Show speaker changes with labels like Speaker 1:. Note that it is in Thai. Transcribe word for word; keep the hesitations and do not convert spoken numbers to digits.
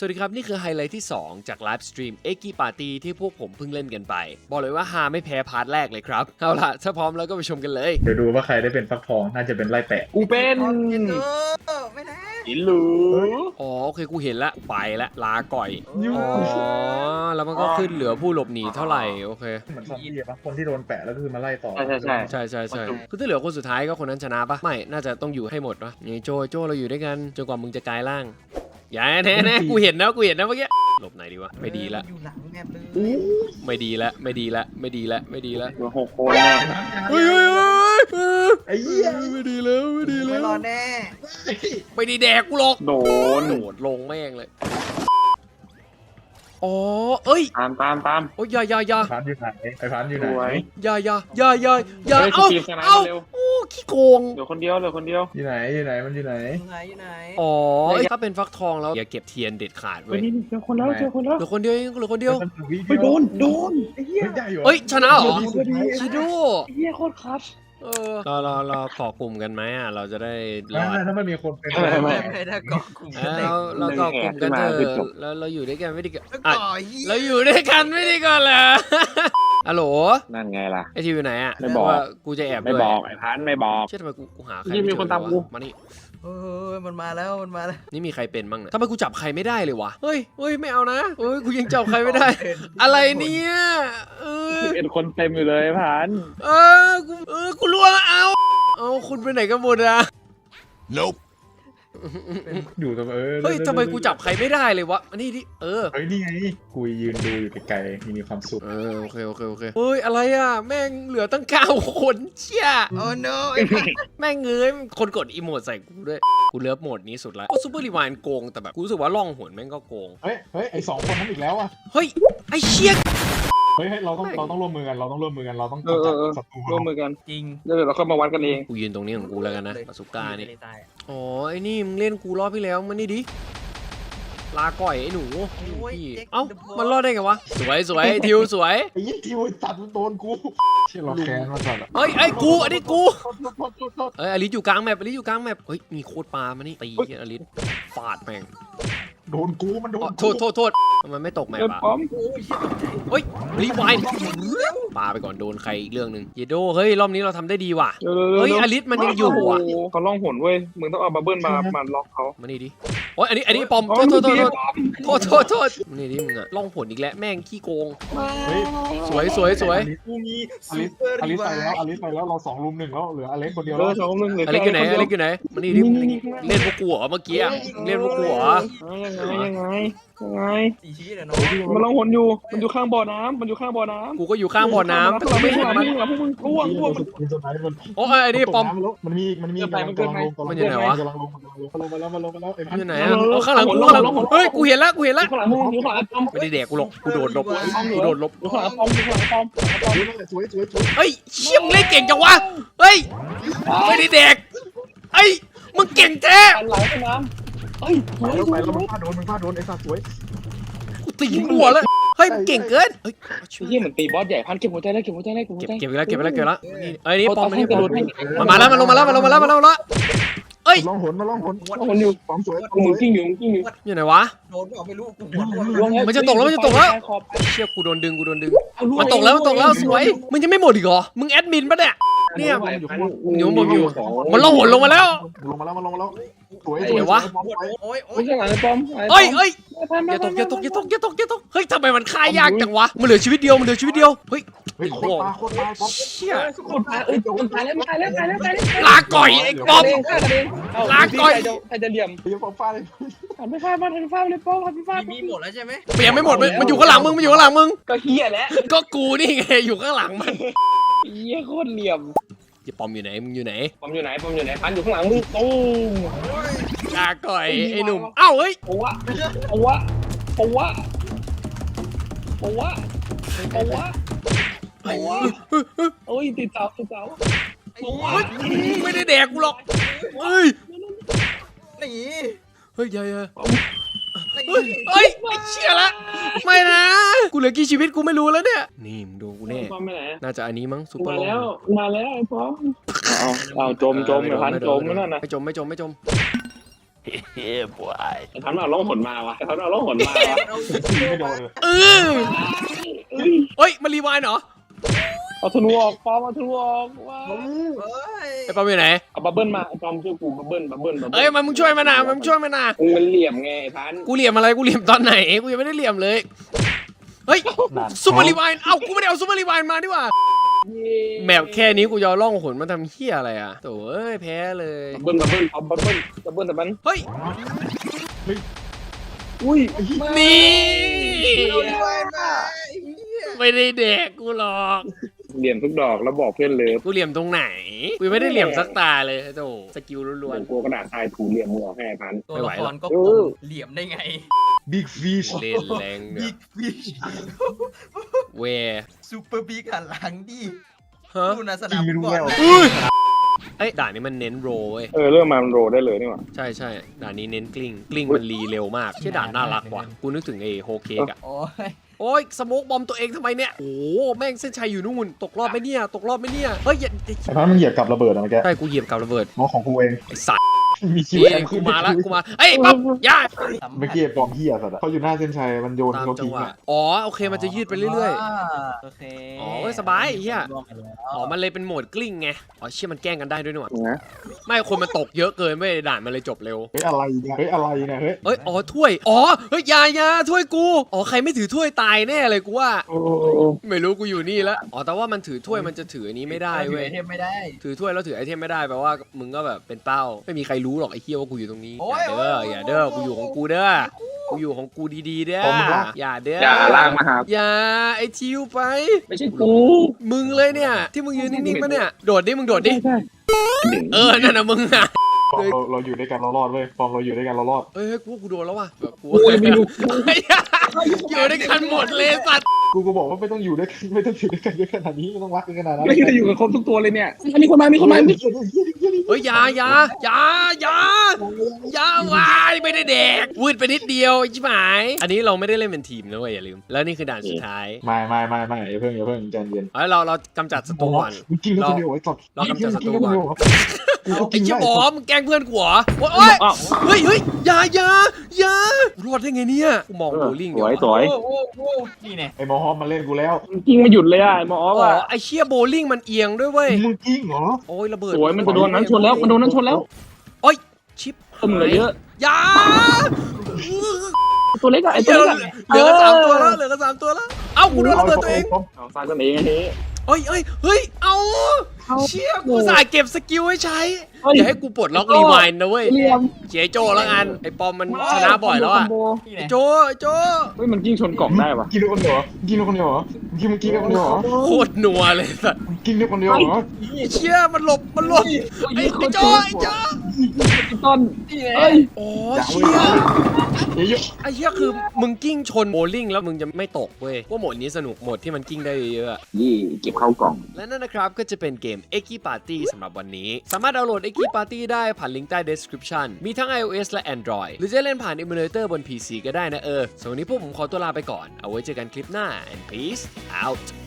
Speaker 1: สวัสดีครับนี่คือไฮไลท์ที่สองจากไลฟ์สตรีมเอ็กกี้ปาร์ตี้ที่พวกผมเพิ่งเล่นกันไปบอกเลยว่าฮาไม่แพ้พาร์ทแรกเลยครับเอาล่ะถ้าพร้อมแล้วก็ไปชมกันเลย
Speaker 2: เดี๋ยวดูว่าใครได้เป็นฟักทองน่าจะเป็นไล่แปะ
Speaker 3: กูเป็น
Speaker 4: ไม่ได้
Speaker 3: อิลู
Speaker 1: อ๋อโอเคกูเห็นละไปละลาก่อยอ๋อแล้วมันก็ขึ้นเหลือผู้หลบหนีเท่าไหร่โอเค
Speaker 2: เหมือนซอมบี้ปะคนที่โดนแปะแล้วก็คือมาไล่ต่อ
Speaker 3: ใช่ใช่ใช่
Speaker 1: ใช่ใช่ใช่คือถ้าเหลือคนสุดท้ายก็คนนั้นชนะปะไม่น่าจะต้องอยู่ให้หมดวะนี่โจโจเราอยู่ด้วยกันจนกว่ามึงจะกลายร่างอย่าแน่แน่กูเห็นนะกูเห็นนะเมื่อกี้หลบไหนดีวะไม่ดีละ
Speaker 4: อยู่หลังแมปเลย
Speaker 1: ไม่ดีละไม่ดีละไม่ดีละไม่ดีละ
Speaker 3: ตัวหกคนน่ะ
Speaker 1: เฮ้ยเฮ้ยเฮ้ยเฮ้ย
Speaker 2: ไอ้เหี้ย
Speaker 1: ไม่ดีแล้วไม่ดีแล้
Speaker 4: ไม่
Speaker 1: ว
Speaker 4: รอแน่
Speaker 1: ไม่ดีแดกกูหรอก
Speaker 3: โดน
Speaker 1: โดดลงแม่งเลยอ๋อเอ้ย
Speaker 3: ตามตามตาม
Speaker 1: โอ้ยอย่าอย่าอย่า
Speaker 2: พันอยู่ไหนไอ้พันอยู่ไหน
Speaker 3: สวย
Speaker 1: อย่าอย่าอย่าอย่าอย่า
Speaker 3: เฮ้ย
Speaker 1: เอ้า
Speaker 3: สตีฟสไนป์
Speaker 1: เอ้า
Speaker 3: เร็ว
Speaker 1: โอ้ขี้โกง
Speaker 3: เหลือคนเดียวเหลือคนเดียว
Speaker 2: อยู่ไหนอยู่ไหนมันอยู่ไหน
Speaker 4: อยู่ไหนอยู่ไหน
Speaker 1: อ๋อถ้าเป็นฟักทองแล้วอย่าเก็บเทียนเด็ดขาด
Speaker 3: เฮ้
Speaker 1: เว้
Speaker 3: ย
Speaker 1: ย
Speaker 3: นี่เจอคนแล้วเจอคนแล้ว
Speaker 1: เหลือคนเดียวเองเหลือคนเดียว
Speaker 3: เฮ้ยโดนโดน
Speaker 2: ไอ้เหี้ยได้อยู่
Speaker 1: เอ้ยชนะเหรอ
Speaker 2: ดีสุดท้าย
Speaker 1: ชิโด
Speaker 3: เฮียโคตรคัส
Speaker 1: เออรอรอรอขอกลุ่มกันไหมอ่ะเราจะได้รอด
Speaker 2: ถ้ามันมีคนเป็น
Speaker 3: ไม่ไม่
Speaker 4: ไม่ได้เกาะกลุ่ม
Speaker 1: เออเราเราเกาะกลุ่มกันเถอะแล้วเราอยู่ด้วยกันไม่ดีกัน
Speaker 4: แล้ว
Speaker 1: อ่ะ
Speaker 4: เกาะเหี้ย
Speaker 1: เราอยู่ด้วยกันไม่ดีก่อนเหรอฮัลโหล
Speaker 3: นั่นไงล่ะ
Speaker 1: ไอทีอยู่ไหนอ่ะ
Speaker 3: ไม่บอก
Speaker 1: ว่ากูจะแอบ
Speaker 3: ไม่
Speaker 1: ด้วย
Speaker 3: บอกไอ้พันไม่บอก
Speaker 1: เชื่อทำไมกูกูหาใคร
Speaker 3: นี่มี
Speaker 1: ไเจอ
Speaker 3: คนตามกู
Speaker 1: เลยวะมานี่
Speaker 4: เออมันมาแล้วมันมาแล้ว
Speaker 1: นี่มีใครเป็นบ้างเนี่ยทำไมกูจับใครไม่ได้เลยวะเฮ้ยเฮ้ยไม่เอานะเฮ้ยกูยังจับใครไม่ได้ อะไรเนี่ยเออ
Speaker 3: เป็นคนเต็มอยู่เลยพัน
Speaker 1: เออกูเออกูล่วงแล้วเอาเอาคุณไปไหนกันหมดอะ
Speaker 2: อยู่ตรงเออ
Speaker 1: เฮ้ยทำไมกูจับใครไม่ได้เลยวะอันนี้ดิเออ
Speaker 2: เฮ้ยนี่ไงกูยืนดูอยู่ไกลๆมีความสุข
Speaker 1: เออโอเคโอเคโอเคเฮ้ยอะไรอ่ะแม่งเหลือตั้งเก้าคนเชี่ย
Speaker 4: โอ้ no
Speaker 1: แม่งเงยคนกดอีโมดใส่กูด้วยกูเลิฟโหมดนี้สุดละซูเปอร์รีวายโกงแต่แบบกูรู้สึกว่าล่องหนแม่งก็โกง
Speaker 2: เฮ้ยเฮ้ยไอ้สองคนนั้นอีกแล้วอ่ะ
Speaker 1: เฮ้ยไอ้เชี่ย
Speaker 2: เฮ้ยเราต้องเราต้องร่วมมือกันเราต้องร่วมมือกันเราต้อง
Speaker 3: เออเออเออ
Speaker 2: ศัตรู
Speaker 3: ร่วมมือกัน
Speaker 4: จริง
Speaker 3: เดี๋ยวเราค่อยมาวัดกันเอง
Speaker 1: กูยืนตรงนี้ของกูแล้วกันนะปาสุก้านี่
Speaker 4: ไม่ได้ตาย
Speaker 1: อ๋อไอ้นี่มึงเล่นกูรอบที่แล้วมันนี่ดิลาก่อยไอ้หนูพี่เอ้ามันรอดได้ไงวะสวยสวยทิวสวย
Speaker 2: ไอ้ยี่ทิวจัดโดนกูเชี่ยเราแค้นมาจัดอ่ะ
Speaker 1: เฮ้ยไอ้กูอันนี้กู
Speaker 2: โทษโทษโทษโทษโทษ
Speaker 1: เอ้ยอลิสอยู่กลางแมปอลิสอยู่กลางแมปเฮ้ยมีโคตรปลามานี่ตีอลิสฟาดแม่ง
Speaker 2: โดนกูมันโด
Speaker 1: อ๋อน โท
Speaker 2: กู
Speaker 1: ษโทษโทษทำไมไม่ตกแมป
Speaker 3: เดิน
Speaker 1: อ่ะ
Speaker 3: ป้อม
Speaker 4: โอ้ยเหี้ยตกใจ
Speaker 1: เฮ้ยรีไวน์ปาไปก่อนโดนใครอีกเรื่องหนึ่งเยโดเฮ้ยรอบนี้เราทำได้ดีว่ะ
Speaker 3: เร็วๆๆ
Speaker 1: เฮ้ยอลิสมันยังอยู่อ่ะ
Speaker 3: โโหเขาล่องหนเว้ยมึงต้องเอาบับเบิ้ลมามาล็อกเขา
Speaker 1: มานี่ดิโอ้ยอันนี้อันนี้ปอมโทษโทษโทษโทษโทษโทษโทษมานี่ดิมึงอะล่องผลอีกแล้วแม่งขี้โกง
Speaker 2: เฮ้ย
Speaker 1: สวยสวยสวย
Speaker 4: กูมี
Speaker 2: อลิสอลิสไปแล้วอลิสไปแล้วเราสองลุมหนึ่งแล้วเหลืออเล็กคนเดียว
Speaker 3: เอ
Speaker 2: แล้ว
Speaker 3: อสองหนึ่งเหลือ
Speaker 1: อลิสอยู่ไหน
Speaker 3: แค่
Speaker 1: อลิสอยู่ไหนมานี่ดิ
Speaker 3: นี่นี่นี่
Speaker 1: เล่นพวกกูเหรอเมื่อกี้อะเล่นพวกกูเหรอ
Speaker 3: ยังไงยังไงยังไง
Speaker 4: สี่ชีวิตอะเนาะ
Speaker 3: มันล่องหนอยู่มันอยู่ข้างบ่อน้ำมันอยู่ข้างบ่อน้ำ
Speaker 1: กูก็อยู่ข้างบ่อน้ำแต่กูไม่เห็นมัน
Speaker 3: มึงพวกมึงร่วงร่วงมัน
Speaker 2: มันจะไหนมัน
Speaker 1: โอ้ยไอ้นี่ปอม
Speaker 2: มันมีมันมี
Speaker 3: เกินไปมันเกินไป
Speaker 1: มันอยู่ไหนวะ
Speaker 2: กำลังลงกำลังลงมาแล้วมาแล้วมาแล้วไอ้พัน
Speaker 1: อยู่ไหนอะโอ้ข้างหลังกูข้างหลังเฮ้ยกูเห็นแล้วกูเห็นแล้ว
Speaker 3: ข้างหลังมึงอยู่ข้างหลังป้อม
Speaker 1: ไม่ได้แดกกูหรอกกูโดดหลบกูโดดหลบ
Speaker 3: อยู่ข้างหลังป้อมอยู่ข้างหลังป้อม
Speaker 2: สวยสวยสวย
Speaker 1: เฮ้ยเชี่ยมงเล่นเก่งจังวะเฮ้ยไม่ได้แดกเฮ้ยมึงเก่งแท้
Speaker 3: หันหลังไปน้ำเฮ้ยสวย
Speaker 2: แล้ว
Speaker 3: ส
Speaker 2: ไป
Speaker 3: วย
Speaker 2: แล้วมันพลาดโดนมันพลาดโดนไอ้สัตว์สวย
Speaker 1: กูตีหัวแล้วเฮ้ยมึงเก่งเกินเฮ้ย
Speaker 3: เฮียเหมือนตีบอสใหญ่พันเก็บหัวใจแล้วเก็บหัวใจแล้วเก็บหัว
Speaker 1: เก็บ
Speaker 3: ใจ
Speaker 1: เก็บไปแล้วเก็บไปแล้วเก็บไปแล้วนี่เอ้ยนี่ปอมมานี่
Speaker 3: ก
Speaker 1: ป
Speaker 3: ระ
Speaker 1: อ
Speaker 3: โด
Speaker 1: ม
Speaker 3: ดให้
Speaker 1: มันมาแล้วมันลงมาแล้วมันลงมาแล้วมันลงมาแล้วเอ้ย
Speaker 2: มาล่องหนมาล่องหน
Speaker 3: ล่องหนอยู่
Speaker 2: ความสวย
Speaker 3: มึงกิ้งอยู่มึงกิ้งอยู่
Speaker 1: อยู่ไหนวะ
Speaker 4: โดนก็ไม่รู้กูหัวร่วง
Speaker 1: มันจะตกแล้วมันจะตกแล้ว เชี่ยกูโดนดึงกูโดนดึงมันตกแล้วมันตกแล้วสวยมึงยังไม่หมดอีกเหรอมึงแอดมินปะเนี่ยเนี่ยมันล่องหนลงมาแล้ว
Speaker 2: ลงมาแล้วมาลงมาแล้วสวย
Speaker 4: โอ้ยโอ้
Speaker 3: ไม่
Speaker 4: ย
Speaker 3: ใช่หลังไอ้ป้อม
Speaker 1: เอ้ยเอ้ยอย่าตกอย่าตกอย่าตกอย่าตกอย่าตกเฮ้ยทำไมมันฆ่ายากจังวะมันเหลือชีวิตเดียวมันเหลือชีวิตเดียวเฮ้ย
Speaker 2: เฮ้ยโคตรปลาโคตรปลาป๊อป
Speaker 1: เชี่ย
Speaker 3: คนตายเอ้ยคนตายแล้วตายแล้วตายแล้วตายแล้ว
Speaker 1: ลาก่อยไอ้ป๊อม
Speaker 3: ฆ่ากันเองใครจะเหลี่ยม
Speaker 2: เฮ้ยป๊อปฟาดเลย
Speaker 3: หันไปฟาดมาหันไปฟาดเลยป้อมหันไปฟาด
Speaker 4: มีหมดแล้วใช่ไหม
Speaker 1: เปลี่ยนไม่หมดมันมันอยู่ข้างหลังมึงมันอยู่ข้างหลังมึง
Speaker 3: ก็เฮียแล้ว
Speaker 1: ก็กูนี่ไงอยู่ข้างหลังมัน
Speaker 3: เฮียโคตรเหลี่ยม
Speaker 1: อย่าปอมอยู่ไหนมึงอยู่ไหน
Speaker 3: ป้อมอยู่ไหนป้อมอยู่ไหนพันอยู่ข้างหลังมึงตู้
Speaker 1: ลาก่อยไอ้หนุ่มเอ้าเฮ้ย
Speaker 3: โอ้วะโอ้วะโอ้วะโอ้วะโอ้วะโอ้วะโอ้ยติดเสาติดเสาโอ้วะ
Speaker 1: ไม่ได้แดกกูหรอกเฮ้ย
Speaker 4: หนี
Speaker 1: เฮ้ยอย่าอย่า
Speaker 4: หนี
Speaker 1: เฮ้ยเฮ้ยไอ้เชี่ยละไม่นะกูเหลือกี่ชีวิตกูไม่รู้แล้วเนี่ยนี่มึงดูกูแน่
Speaker 3: ป้อมไปไหน
Speaker 1: น่าจะอันนี้มั้งซูเปอ
Speaker 3: มา
Speaker 1: ร์ลง
Speaker 3: แล้วมาแล้วไอ้ป้อมเอาเอาจมจมไอ้พันจมนั่นน่ะ
Speaker 1: ไม่จมไม่จมไม่จม
Speaker 3: ไอ้พันเอาล่องหนมาวะไอ้พันเอาล่องหนมาวะ
Speaker 2: ไม่โดนเลย
Speaker 1: เออเฮ้ยมันรีไวน์เหรอ
Speaker 3: เอาธนูออกปอมเอาธนูออกว้าว
Speaker 4: เฮ้ย
Speaker 1: ไอ้ปอมอยู่ไหน
Speaker 3: เอาบับเบิ้ลมาไอ้ปอมช่วยกูบับเบิ้ลบับเบิ้ลบับเบิ้ล
Speaker 1: เอ้ยมันมึงช่วยมันนะมันมึงช่วยมันนะ
Speaker 3: มึงมันเหลี่ยมไงไอ้พัน
Speaker 1: กูเหลี่ยมอะไรกูเหลี่ยมตอนไหนกูยังไม่ได้เหลี่ยมเลยเฮ้ยซูเปอร์รีไวน์เอ้ากูไม่ได้เอาซูเปอร์รีไวน์มาดีกว่าแมปแค่นี้กูยอล่องหนมาทำเหี้ยอะไรอ่ะโถ่เอ้ยแพ้เลย
Speaker 3: บับเบิ้ลบับเบิ้ลเอาบับเบิ้ลบับเบิ้ลแต่มัน
Speaker 1: เฮ้ย
Speaker 3: อุ้ย
Speaker 1: นี่
Speaker 4: เอาด้วยนะไอ้เหี้ย
Speaker 1: ไม่ได้แดกกูหรอก
Speaker 3: เหลี่ยมทุกดอกแล้วบอกเพื่อนเลย
Speaker 1: กูเหลี่ยมตรงไหนกูยังไม่ได้เหลี่ยมสักตาเลยโถ่สกิลล้
Speaker 3: เห
Speaker 1: วน
Speaker 3: มือนกูกระดาษทรายถูเหลี่ยมมึงออกให้ไอ้พัน
Speaker 4: ตัวละครก็
Speaker 3: เอ
Speaker 4: ค
Speaker 3: อ
Speaker 4: งเหลี่ยมได้ไง
Speaker 2: บิ๊กฟิช
Speaker 1: ๆเล่นแรงเนี่
Speaker 4: บิ๊
Speaker 1: ย
Speaker 4: กฟิช
Speaker 1: เว
Speaker 4: ซูเปอร์บิ๊กหันหลังดิ
Speaker 1: ฮะ
Speaker 4: ดูนะสนามฟุตบอลนะ
Speaker 1: อุ้ยไอ้ยด่านนี้มันเน้นโรเว้ย
Speaker 3: เออเริ่มมามันโรได้เลยนี่หว่า
Speaker 1: ใช่ใช่ด่านนี้เน้นกลิ้งกลิ้งมันรีเร็วมากชื่อด่านน่ารักว่ะกูนึกถึงไอ้โฮเค้กอะ
Speaker 4: โอ้ย
Speaker 1: โอ้ยสโมกบอมตัวเองทำไมเนี่ยโอ้โหแม่งเส้นชัยอยู่นู่นตกรอบไหมเนี่ยตกรอบไหมเนี่ยเฮ้ยอย่า
Speaker 2: ไอ้พันมันเหยียบกับระเบิดอะเมื่อกี้
Speaker 1: ใช่กูเหยียบกับระเบิด
Speaker 2: น้องของกูเอง
Speaker 1: ไอ้สัตว์
Speaker 2: มีชีวิต
Speaker 1: เอ้ยกูมาละกูมาเอ้ยป๊อปอย่า
Speaker 2: เมื่อกี้ไอ้ปอมเฮียสัตว์อะเขาอยู่หน้าเส้นชัยมันโยน
Speaker 1: ตาม
Speaker 2: เขา
Speaker 1: จัง
Speaker 2: ทิ้ง
Speaker 1: หวะ
Speaker 2: อะ
Speaker 1: อ๋อโอเคมันจะยืดไปเรื่อย
Speaker 4: โอเค
Speaker 1: อ๋อเว้ยสบายไอ้เหี้ย ๆอ๋อมันเลยเป็นโหมดกลิ้งไงอ๋อเชี่ยมันแกล้งกันได้ด้วยนี่หว่า
Speaker 3: นะ
Speaker 1: ไม่คนมันตกเยอะเกินไม่ด่านมันเลยจบเร็ว
Speaker 2: เฮ้ยอะไรเนี่ยเฮ้ยอะไรเนี่ยเฮ้ย
Speaker 1: เอ้ยอ๋อถ้วยอ๋อเฮ้ยอยาอยาถ้วยกูอ๋อใครไม่ถือถ้วยตายแน่เลยกูว่า
Speaker 2: โอ้โห
Speaker 1: ไม่รู้กูอยู่นี่แล้วอ๋อแต่ว่ามันถือถ้วยมันจะถืออันนี้ไม่ได้เว้ย
Speaker 4: เทมไม่ได้
Speaker 1: ถือถ้วยแล้วถือไอเทมไม่ได้แปลว่ามึงก็แบบเป็นเป้าไม่มีใครรู้หรอกไอ้เหี้ยว่ากูอยู่ตรงนี้
Speaker 4: โอ้
Speaker 1: อย ย่าเด้ออย่าเด้อกูอยู่ของกูเด้อกูอยู่ของกูดีๆเด้ออย่าเด้อ
Speaker 3: อย่าลากมาหา
Speaker 1: อย่าไอทิวไป
Speaker 3: ไม่ใช่กู
Speaker 1: มึงเลยเนี่ย ที่มึงยืนนิ่งๆปะเนี่ยโดดดิมึงโดดดิ
Speaker 3: ใช่
Speaker 1: เออนั่นน่ะมึงอ่ะ
Speaker 2: ปอมเราเราอยู่ด้วยกันเรารอดเว้ยปอมเราอยู่ด้วยกันเรารอด
Speaker 1: เอ้ยกูว่ากูโดนแล้วว่ะแบบกู
Speaker 3: กูยังไม่รู้
Speaker 1: ไอ้เหี้ยอยู่ด้วยกันหมดเลยสัตว์
Speaker 2: กูก็บอกว่าไม่ต้องอยู่ด้วยกันไม่ต้องอยู่ด้วยกันเยอะขนาดนี้ไม่ต้องรักกันขนาดนั้น
Speaker 3: ไม่ได้อยู่กับครบทุกตัวเลยเนี่ยมีคนมามีคนมา
Speaker 1: เฮ้ยอย่าอย่าอย่าอย่าอย่าวายไม่ได้แดกวืดไปนิดเดียวใช่ไหมอันนี้เราไม่ได้เล่นเป็นทีมนะเว้ยอย่าลืมแล้วนี่คือด่านสุดท้าย
Speaker 2: ไม่ไม่ไม่ไม่อย่าเพิ่งอย่าเพิ่งใจเย็น
Speaker 1: เอ้ยเราเรากำจัดศัตรูก่อน
Speaker 2: มึงกินแล้วคนเดียวไอ้สัตว์
Speaker 1: เรากำจัดศัตรูก่อน
Speaker 2: กูก็
Speaker 1: ไอ้
Speaker 2: กิน
Speaker 1: เชี่ย
Speaker 2: ได้
Speaker 1: บอมมึงแกล้งเพื่อนกูเหรอโอ๊ยเฮ้ยเฮ้ยอย่าอย่าอย่ารอดได้ไงเนี่ยกูมองโบลิ่ง
Speaker 3: ส
Speaker 1: เดี๋ยว
Speaker 3: วยสวย
Speaker 4: โอ้โหโอ้โหนี่เนี่ย
Speaker 2: ไอ้หมอฮอมมาเล่นกูแล้ว
Speaker 3: จริงมาหยุดเลยอ่ะไอ้หมอออฟ
Speaker 1: อ๋อ
Speaker 3: อ่ะ
Speaker 1: ไอ้เชี่ยโบลิ่งมันเอียงด้วยเว้ย
Speaker 2: มึงกิ้งเหรอ
Speaker 1: โอ้ยระเบิด
Speaker 3: สวยมันจะโดนนั้นชนแล้วมันโดนนั้นชนแล้ว
Speaker 1: โอ้ยชิป
Speaker 3: ตัวเหลือเยอะ
Speaker 1: อย่า
Speaker 3: ตัวเล็กอะไอ้
Speaker 1: เห
Speaker 3: ตัว
Speaker 1: ลือ
Speaker 3: เล็กอะ
Speaker 1: เหลือกันสามตัวแล้วเหลือกันสามตัวแล้วเอ้ากูโดนระเบิดตัวเอง
Speaker 3: เอาฟาดกันเองอันนี้
Speaker 1: เฮ้ยเฮ้ยเฮ้ยเอาเชี่ยกูสายเก็บสกิลไว้ใช้
Speaker 3: เฮ้ย
Speaker 1: อย่าให้กูปลดล็อกรีไวน์นะเว้ย
Speaker 3: เหลี่ยม
Speaker 1: เจียโจแล้วกันไอ้ปอมมันชนะบ่อยแล้วอะ
Speaker 4: นี่
Speaker 1: ไอ้
Speaker 4: เนี่ย
Speaker 1: โจไอ้โจ
Speaker 3: เฮ้ยมันกิ้งชนกล่องได้ปะ
Speaker 2: กินด้วยคนเดียวเหรอกินด้วยคนเดียวเหรอกินมึงกินด้วยคนเดียวเหรอ
Speaker 1: โคตรนัวเลยสัส
Speaker 2: กินด้วยคนเดียวเหรอ
Speaker 1: ไอ้เชี่ยมันหลบมันหลบไอ้ไอ้โจไอ้โจ
Speaker 3: ต้น
Speaker 4: นี่ไง
Speaker 3: เอ้ย
Speaker 1: โอ้
Speaker 2: อย่าเว้
Speaker 1: เชี่ย
Speaker 2: ยเยอะ
Speaker 1: ไอ้เชี่ยคือมึงกิ้งชนโบลิ่งแล้วมึงจะไม่ตกเว้ยว่าโหมดนี้สนุกโหมดที่มันกิ้งได้เยอะๆอะ
Speaker 3: ยี่เก็บเข้ากล่อง
Speaker 1: และนั่นนะครับก็จะเป็นเกม เอ็กกี้ Party สำหรับวันนี้ สามารถดาวน์โหลด เอ็กกี้ Party ได้ผ่านลิงก์ใต้ description มีทั้ง iOS และ Android หรือจะเล่นผ่าน emulator บน พี ซี ก็ได้นะเออส่วนวันนี้พวกผมขอตัวลาไปก่อนเอาไว้เจอกันคลิปหน้า and peace out